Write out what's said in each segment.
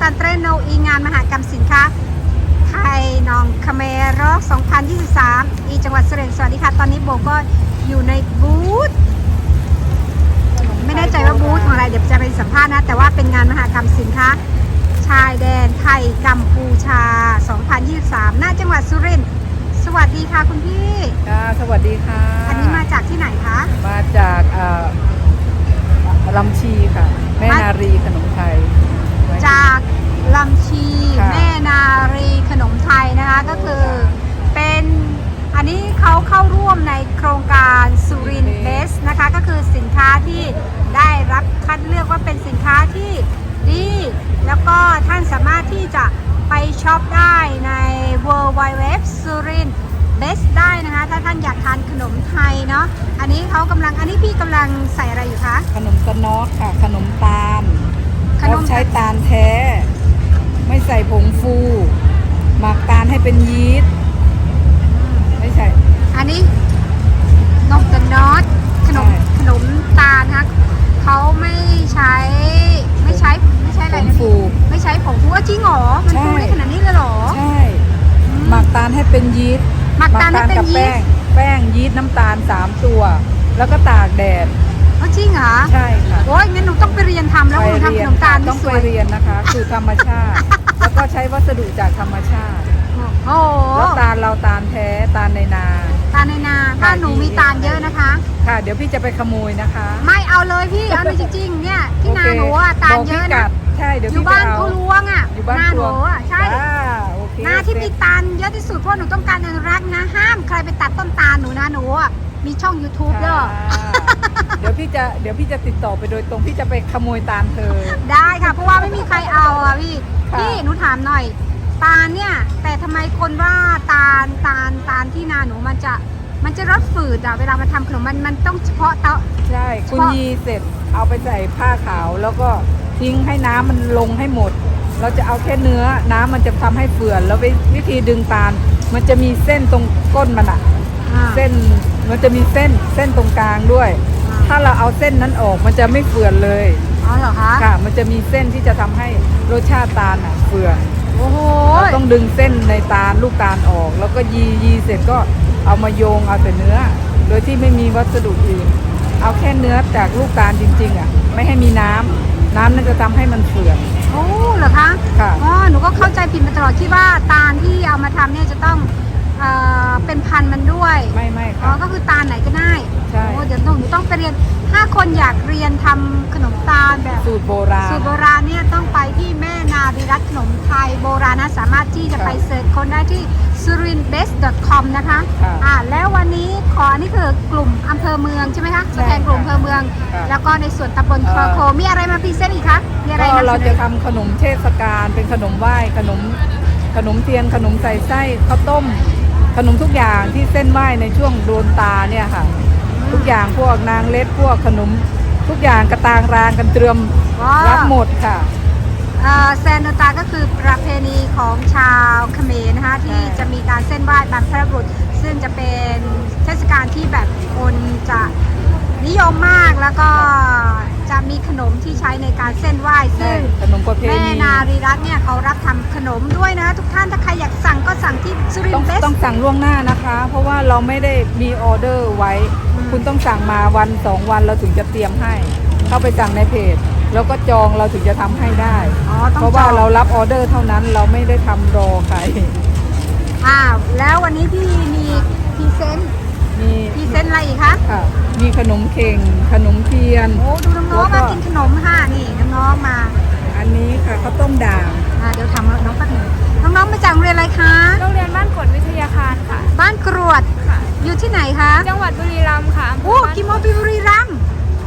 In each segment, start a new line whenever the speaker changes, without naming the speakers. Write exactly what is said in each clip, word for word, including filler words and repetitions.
Pantreno อีงานมหกรรมสินค้าไทยนองคาเมโรสองพันยี่สิบสามอีจังหวัดสุรินทร์สวัสดีค่ะตอนนี้โบก็อยู่ในบูธไม่แน่ใจว่าบูธของอะไรเดี๋ยวจะไปสัมภาษณ์นะแต่ว่าเป็นงานมหกรรมสินค้าชายแดนไทยกัมพูชาสองพันยี่สิบสามณจังหวัดสุรินทร์สวัสดีค่ะคุณพี่
ค่ะสวัสดีค่ะ
อันนี้มาจากที่ไหนคะ
มาจากลำชีค่ะแม่นารีขนมไทย
จากลำชีแม่นารีขนมไทยนะคะก็คือเป็นอันนี้เขาเข้าร่วมในโครงการสุรินทร์เบสนะคะก็คือสินค้าที่ได้รับคัดเลือกว่าเป็นสินค้าที่ดีแล้วก็ท่านสามารถที่จะไปช็อปได้ใน เวิลด์ ไวด์ เว็บ สุรินทร์เบสได้นะคะถ้าท่านอยากทานขนมไทยเนาะอันนี้เขากำลังอันนี้พี่กำลังใส่อะไรอยู่คะ
ขนมตะนอดค่ะขนมตาลเราใช้ตาลแท้ไม่ใส่ผงฟูหมักตาลให้เป็นยีสต์ไม่ใช่
อันนี้นมตะนอดขนมขนมตาลนะคะเขาไม่ใช้ไม่ใช้ไม่ใช่อะไรนะพี่ไม่ใช้ผงฟูจริงเหรอมันฟูได้ขนาดนี้เลยเหรอ
ใช่หมักตาลให้เป็นยีสต์
หมักตาลให้เป็นยีสต์
แป้งยีสต์น้ำตาลสามตัวแล้วก็ตากแดด
อ๋อจริงเหรอ
ใช่ค่ะ
โอ้ยงั้นหนูต้องไปเรียนทำแล้วหนูทำขนมตาล
ต้องไปเรียนนะคะคือธรรมชาติแล้วก็ใช้วัสดุจากธรรมชาติ
โอ้
แล้วตาลเราตาลแท้ตาลในนา
ตาลในนาถ้าหนูมีตาลเยอะนะคะ
ค่ะเดี๋ยวพี่จะไปขโมยนะคะ
ไม่เอาเลยพี่เอาเลยจริงๆเนี่ยที่นาหนูอ่ะตาลเยอะนะ
ใช่เดี๋ยว
อยู่บ้านเขาล้วงอ่ะนาหนูอ่ะใช่นาที่มีตาลเยอะที่สุดเพราะหนูต้องการอนุรักษ์นะห้ามใครไปตัดต้นตาลหนูนะหนูอ่ะมีช่อง ยูทูบ เด้อ
เดี๋ยวพี่จะเดี๋ยวพี่จะติดต่อไปโดยตรงพี่จะไปขโมยตาลเธอ
ได้ค่ะเพราะว่าไม่มีใครเอาอ่ะพี่พี่หนูถามหน่อยตาลเนี่ยแต่ทำไมคนว่าตาลตาลตาลที่นาหนูมันจะมันจะรสฝืดอ่ะเวลามาทำขนมมันมันต้องเฉพาะเตา
ใช่คุณยีเสร็จเอาไปใส่ผ้าขาวแล้วก็ทิ้งให้น้ำมันลงให้หมดเราจะเอาแค่เนื้อน้ำมันจะทำให้เฟื่อนแล้ววิธีดึงตาลมันจะมีเส้นตรงก้นมันอ่ะเส้นมันจะมีเส้นเส้นตรงกลางด้วยถ้าเราเอาเส้นนั้นออกมันจะไม่เฟื่อนเลย
อ๋อเหรอคะ
ค่ะมันจะมีเส้นที่จะทำให้รสชาติตาลอ่ะเฟื่อน
โอ้โห
เราต้องดึงเส้นในตาลลูกตาลออกแล้วก็ยียีเสร็จก็เอามาโยงเอาแต่เนื้อโดยที่ไม่มีวัสดุอื่นเอาแค่เนื้อจากลูกตาลจริงๆอ่ะไม่ให้มีน้ำน้ำนั่นจะทำให้มันเฟื่อน
โอ้เหรอคะ
ค่ะ
อ๋อหนูก็เข้าใจผิดมาตลอดที่ว่าตาลที่เอามาทำเนี่ยจะต้องเอ่อเป็นพันมันด้วย
ไม่ไม่
ค่ะอ๋อก็คือตาลไหนก็ได้
ใช่
โอ้เดี๋ยวหนูต้องไปเรียนถ้าคนอยากเรียนทำขนมตาลแบบ
สูตรโบราณ
สูตรโบราณเนี่ยต้องไปที่แม่นารีรัตน์ขนมไทยโบราณนะสามารถที่จะไปเสิร์ชคนได้ที่ สุรินทร์เบส ดอท คอม นะคะอ่าแล้ววันนี้ขอนี่คือกลุ่มอำเภอเมืองใช่ไหมคะตัวแทนกลุ่มอำเภอเมืองแล้วก็ในส่วนตำบลคลโคมีอะไรมาพรีเซนต์อีกคะมีอะไร
ก็เราจะทำขนมเทศกาลเป็นขนมไหว้ขนมขนมเทียนขนมใส่ไส้ข้าวต้มขนมทุกอย่างที่เส้นไหว้ในช่วงโดนตาเนี่ยค่ะทุกอย่างพวกนางเล็ดพวกขนมทุกอย่างกระตางรางกันเตรียมรับหมดค่ะ
แซนโนตาก็คือประเพณีของชาวเขมรนะคะที่จะมีการเส้นไหว้บรรพบุรุษซึ่งจะเป็นเทศกาลที่แบบคนจะนิยมมากแล้วก็จะมีขนมที่ใช้ในการเส้นไหว้ซึ่ง
ขนมประเพณี
แม่นารีรัตน์เนี่ยเขารับทำขนมด้วยนะทุกท่านถ้าใครอยากสั่งก็สั่งที่สุรินทร์เบส
ต้องสั่งล่วงหน้านะคะเพราะว่าเราไม่ได้มีออเดอร์ไว้คุณต้องสั่งมาวันสองวันเราถึงจะเตรียมให้เข้าไปสั่งในเพจแล้วก็จองเราถึงจะทำให้ได้เพราะว่าเรารับออเดอร์เท่านั้นเราไม่ได้ทำรอใคร
อ้าวแล้ววันนี้พี่มีพรีเซนต์มีพรีเซนต์อะไรอีกคะ
ค่ะมีขนมเข่งขนมเทียน
โอ้ดูน้องๆมากินขนมค่ะนี่น้องๆมา
อันนี้ค่ะข้าวต้มด่าง
อ่าเดี๋ยวทำน้องแป๊บนึงน้องๆมาจากโรงเรียนอะไรคะ
โรงเรียนบ้านกรวดวิทยาคารค่ะ
บ้านกรวดค่ะอยู่ที่ไหนคะ
จังหวัดบุรีรัมย์ค่ะ
โอ้กิโมบิบุรีรัมย์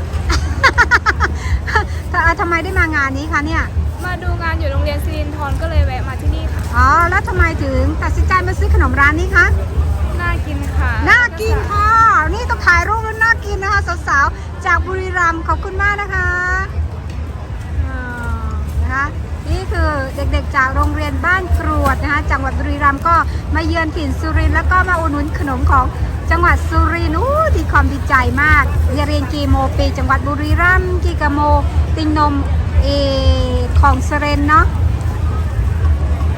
ทำไมได้มางานนี้คะเนี่ย
มาดูงานอยู่โรงเรียนสิรินทรก็เลยแวะมาที่นี่ค่ะ
อ๋อแล้วทำไมถึงตัดสินใจมาซื้อขนมร้านนี้คะ
น่ากินค่ะ
น่ากินค่ะนี่ต้องถ่ายรูปแล้วน่ากินนะคะสาวๆจากบุรีรัมย์ขอบคุณมากนะคะนะคะนี่คือเด็กๆจากโรงเรียนบ้านกรวดนะคะจังหวัดบุรีรัมย์ก็มาเยือนถิ่นสุรินทร์แล้วก็มาอุดหนุนขนมของจังหวัดสุรินทร์อู้ดีความดีใจมากเรียนกีโมปีจังหวัดบุรีรัมย์กีกะโมติงนมเอของสุรินทร์เนาะ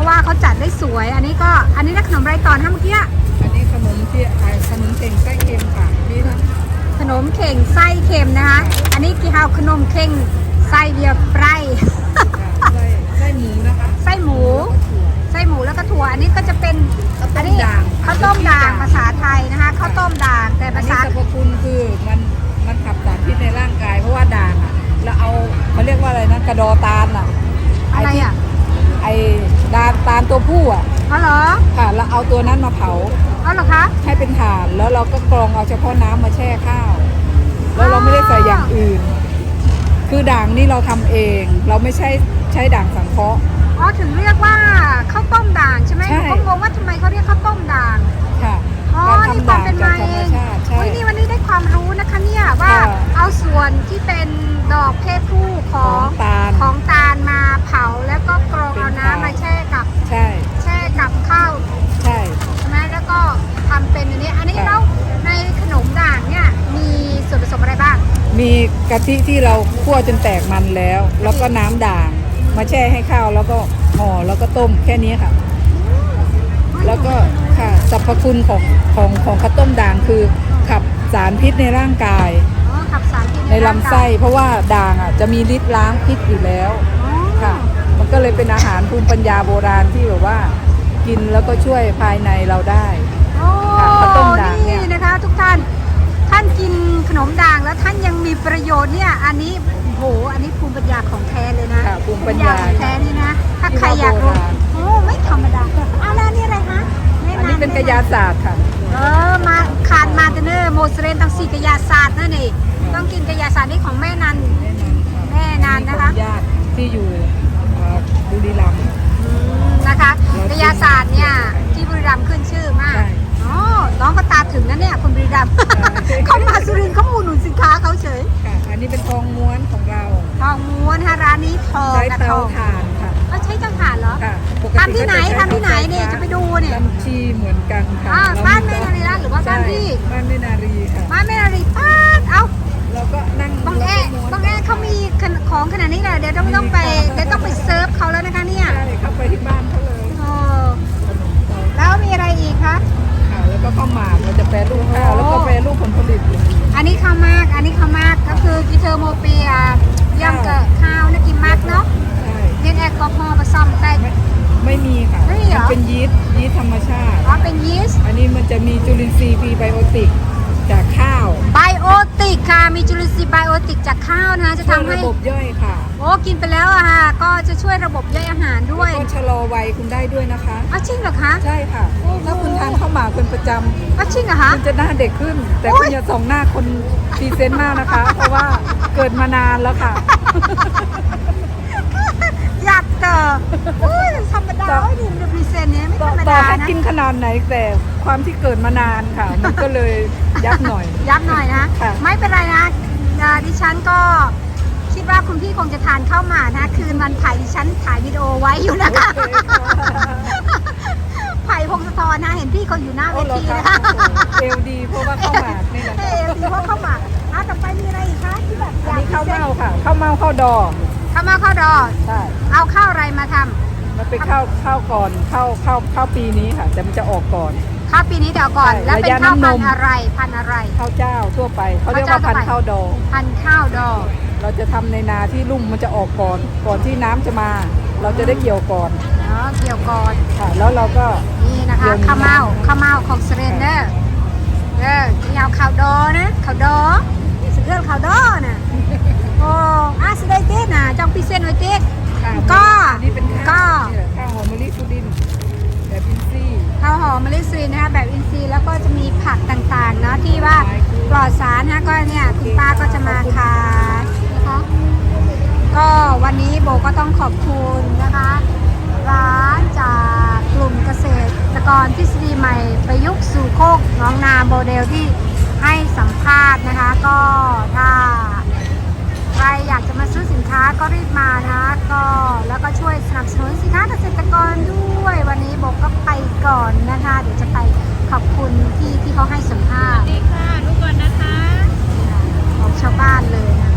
ว่าเขาจัดได้สวย อันนี้ก็อันนี้นะขนมไรต่อนะเมื่อกี้
อันนี้ขนมที่ขายขนมเต็งไส้เค็มค่ะนี่นะ
ขนมเข่งไส้เค็มนะคะ อันนี้กี่ฮาวขนมเข่งไส้เบียร์ไพร
ไส้ไส้หมูนะคะ
ไส้หมู ไส้หมูแล้วก็ถั่ว อันนี้ก็จะเป็น
ข้าวต้
อัน
ม
นี้
ด่าง
ข้าวต้มด่างภาษาไทยนะคะข้าวต้มด่างแต่
อั
ภาน
นี้
ษา
สรรพคุณคือมันมันขับสารพิษในร่างกาย เพราะว่าด่างอ่ะเราเอาเขาเรียกว่าอะไรนะกระดอตาลอ่ะ
อะไรอ่ะ
ไอ้ดานตาลตัวผู้อ่ะ
อ๋อเหรอ
ค่ะแล้วเอาตัวนั้นมาเผา
อ๋อเหรอคะ
ให้เป็นถ่านแล้วเราก็กรองเอาเฉพาะน้ำมาแช่ข้าว แล้วเราไม่ได้ใส่อย่างอื่น คือด่างนี่เราทำเอง เราไม่ใช่ใช้ด่างสังเคราะห์
อ๋อถึงเรียกว่าข้าวต้มด่างใช่ไหม
ใช่
ผมงงว่าทำไมเขาเรียกข้าวต้มด่าง
ค่ะ
อ๋อ
การ
นี่
ทำ
ควา
ด่าม ง
เป็น
จา
มาก
ธร
เอ
รม
ง
ชาติใช่
เฮ้ยนี่วันนี้ได้ความรู้นะคะเนี่ยว่า
ค่ะ
เอาส่วนที่เป็นดอกเพศผู้ข
ข
อ
อง งตาล
ของตาลมาเผาแล้วก็กรอง
เป็น
เอาน้ำ
ถ่าน
มาแช่กับ
ใช่
แช่กับข้าว
ใช่
ใช่ไหมแล้วก็ทำเป็นอันนี้ อันนี้
ค่ะ
แล้วในขนมด่างเนี่ยมีส่วนผสมอะไรบ้าง
มีกะทิที่เราคั่วจนแตกมันแล้ว แล้วก็น้ำด่าง มาแช่ให้ข้าวแล้วก็ห่อแล้วก็ต้มแค่นี้ค่ะ แล้วก็ค่ะสรรพคุณของของของข้าวต้มด่างคือขับสารพิษในร่างกาย
อ๋อขับสารพิษ
ในลำไส้ เพราะว่าด่างอ่ะจะมีฤทธิ์ล้างพิษอยู่แล้ว
อ๋อ
ค่ะ มันก็เลยเป็นอาหารภูมิปัญญาโบราณที่แบบว่า กินแล้วก็ช่วยภายในเราได้
โอ้
ค่ะข้าวต้มด่างเนี่ย
นี่นะคะ ทุกท่าน ท่านกินขนมด่างแล้วท่านยังมีประโยชน์เนี่ย อันนี้โอ้โห อันนี้ภูมิปัญญาของแท้เลยนะ
ค่ะภูมิปัญญา
ของแท้นี่นะ ถ้าใครอยากรู้
ที่ว่าโบราณ
โอ้ไม่ธรรมดาเอาแล้วนี่อะไรคะแะำ
อันนี้เป็นกระยาศาสตร์ค่ะ
เออ มาขาดมาเตเนอร์โมเสเรนตั้งสี่กระยาศาสตร์นั่นเองต้องกินกระยาศาสตร์นี่ของแม่นัน แม่นานนะคะ
ญาติที่อยู่เอ่อบุรีรัมย์
อืมนะคะกระยาศาสตร์เนี่ยที่บุรีรัมย์ขึ้นชื่อมาก
ใช่
อ๋อ น้องก็ตาถึงนะเนี่ยคนบุรีรัมย์
ใช่
เขามาสุรินทร์เขาอุดหนุนสินค้าเขาเฉย
ค่ะ อันนี้เป็นทองม้วนของเรา
ทองม้วนฮะร้านนี้ทอง
ใช้
กับท
เตา
อง
ถ่านค่ะ
เขาใช้เจ้าถ่านเหรอ
ค่ะปกติ
ทำที่ไหน
ก็จะใช้
ทำที่ไหน
เตา
เนี่ย
ฟฟ้า
จะไปดูเนี่ย
ลำชีเหมือนกันค่ะ
อ่า
เร
บ้านแม่นารีรัตน์หรือว่าบ้าน
ใช่
พี่
บ้านแม่นารีค่ะ
บ้านแม่นารีป้าดเอ้า
เราก็นั่ง
บางแอ
แล้วก็ม้วน
บางแอเขามีของขนาดนี้แหละเดี๋ยวต้องต้องไปเดี๋ยวต้องไปเซิร์ฟเขาแล้วนะคะเนี่ย
ใช่เข้าไปที่บ้านเขาเลย
โอ้แล้วมีอะไรอีกคะ
ค่ะ แล้วก็ข้าวหมากเราจะแปรรูปข้าวแล้วก็แปรรูปผลผลิต
อันนี้ข้าวมาก อันนี้ข้าวมากก็คือกิเทอร์โมเปียย่ำกับข้าวนะกินมากเนาะ
ใช่
เล่นแอลกอฮอล์ผสมแต่
ไม่ไม่มีค่ะ
ไม่มีเหรอ
นเป็นยีสต์ยีสต์ธรรมชาติ
อ๋อเป็นยีสต์
อันนี้มันจะมีจุลินทรีย์พรีไบโอติกจากข้าว
ไบโอติกค่ะ มีจุลินทรีย์ไบโอติกจากข้าวนะจะ
ช่วย
ทำให้
ระบบย่อยค่ะ
โอ้กินไปแล้วอะค่ะ ก็จะช่วยระบบย่อยอาหารด้วย
แล้วก็ชะลอวัยคุณได้ด้วยนะคะ
อ้าวจริงเหรอคะ
ใช่ค่ะ ถ้าคุณทานข้าวหมากเป็นประจำ
อ้าวจริงเหรอคะ
คุณจะหน้าเด็กขึ้น แต่
โอ๊
คุณ
ย
อย่าส่องหน้าคนพรีเซนต์มากนะคะ เพราะว่าเกิดมานานแล้วค่ะ
อยากเจออุ้ยธรรมดา
ต่อ
โอ้ยนี่มันพรีเซนต์เนี้ยไม่
ต่
ธ
อ
รรม
ต่อ
ดา
ให้
นะ
กินขนาดไหนแต่ความที่เกิดมานานค่ะ มันก็เลยยับหน่อย
ย้ำหน่อยนะ
ค่ะ
ไม่เป็นไรนะอ่าดิฉันก็คิดว่าคุณพี่คงจะทานข้าวหมากนะ คืนวันถ่ายดิฉันถ่ายวิดีโอไว้อยู่นะคะ
โอเคค่ะ
ไผ่พงศธรนะ เห็นพี่เขาอยู่หน้าเว
โอ้เหรอ
ที
คะ
นะคะ
เอลดีเพราะว่าข้าวหมากนี่แหละ
เออดีเพราะข้าวหมากอ่ะต่อไปมีอะไรอีกคะที่แบบอ
อัน
ยาก
นี้ข้าวเม่าค่ะข้าวเม่าข้าวดอง
ข้าวเมาข้าวดอ
ใช่
เอาข้าวอะไรมาทำ
มันเป็นข้าวข้าวก่อนข้าวข้าวข้าวปีนี้ค่ะ แต่มันจะออกก่อน
ข้าวปีนี้เดี๋ยวก่อน
ใช่
แล้วเป็น
ระยะ
ข้าวพัน
น้ำนม
ธุ์อะไรพันธุ์อะไร
ข้าวเจ้าทั่วไปเขาเรียกว่าพันธุ์ข้าวดอง
พันธุ์ข้าวดอ
เราจะทำในนาที่ลุ่มมันจะออกก่อน ก่อนที่น้ำจะมา เราจะได้เกี่ยวก่อน
เนาะเกี่ยวก่อน
ค่ะ แล้วเราก็
นี่นะคะ
เดี๋ยว
ข้าวเมาข้าวเมาของเซเรนเดอร์เออที่เอาข้าวดอนะข้าวดอนี่สุดยอดข้าวดอนะโอ้อาสได้เต้นนะจองพิเศษไว้เต้น
ค่ะ
ก็
อันนี่เป็นข้าว
ก็
นี่แหละข้าวหอมมะลิสุดินทร์แบบอินทรีย์
ข้าวหอมมะลิซีนะคะแบบอินทรีย์แล้วก็จะมีผักต่างๆเนาะที่ว่าปลอดสารนะก็เนี่ยคุณป้าก็จะมาขายนะคะก็วันนี้โบก็ต้องขอบคุณนะคะ ร้านจากกลุ่มเกษตรกรทฤษฎีใหม่ประยุกต์สู่โคกหน้องนาโมเดลที่ให้สัมภาษณ์นะคะ ก็ถ้าใครอยากจะมาซื้อสินค้าก็รีบมานะคะก็แล้วก็ช่วยสนับสนุนสินค้าเกษตรกรด้วยวันนี้โบก็ไปก่อนนะคะ เดี๋ยวจะไปขอบคุณที่ที่เขาให้สัมภาษณ์
ดีค่ะลูกก่อนนะคะ
ของชาวบ้านเลยนะคะ